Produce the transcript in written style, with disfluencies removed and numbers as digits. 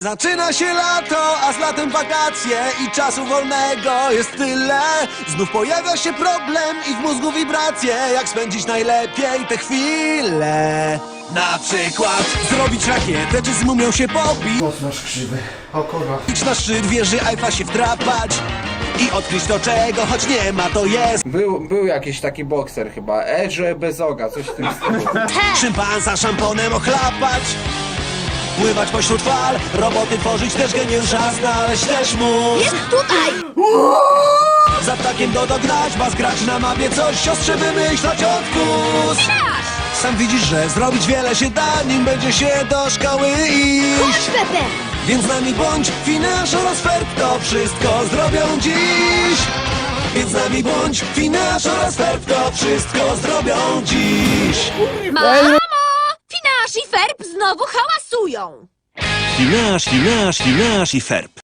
Zaczyna się lato, a z latem wakacje i czasu wolnego jest tyle. Znów pojawia się problem i w mózgu wibracje. Jak spędzić najlepiej te chwile? Na przykład zrobić rakietę, czy z mumią się pobić. Mocno krzywy. O kurwa. Idź na szczyt wieży Eiffla się wdrapać i odkryć to, czego choć nie ma, to jest. Był jakiś taki bokser chyba. Edge Bezoga, coś w tym stylu. Szympansa szamponem ochlapać, pływać pośród fal, roboty tworzyć też geniusz, a znaleźć też mózg. Jest tutaj! Za ptakiem dognać, was grać na mapie, coś siostrze wymyślać odpust. Sam widzisz, że zrobić wiele się da, nim będzie się do szkoły Chodź, iść. Pepe! Więc z nami bądź, Finasz oraz Ferb to wszystko zrobią dziś. Więc z nami bądź, Finasz oraz Ferb to wszystko zrobią dziś. Mamo! Finasz i Ferb znowu hałasują! Finasz i Ferb.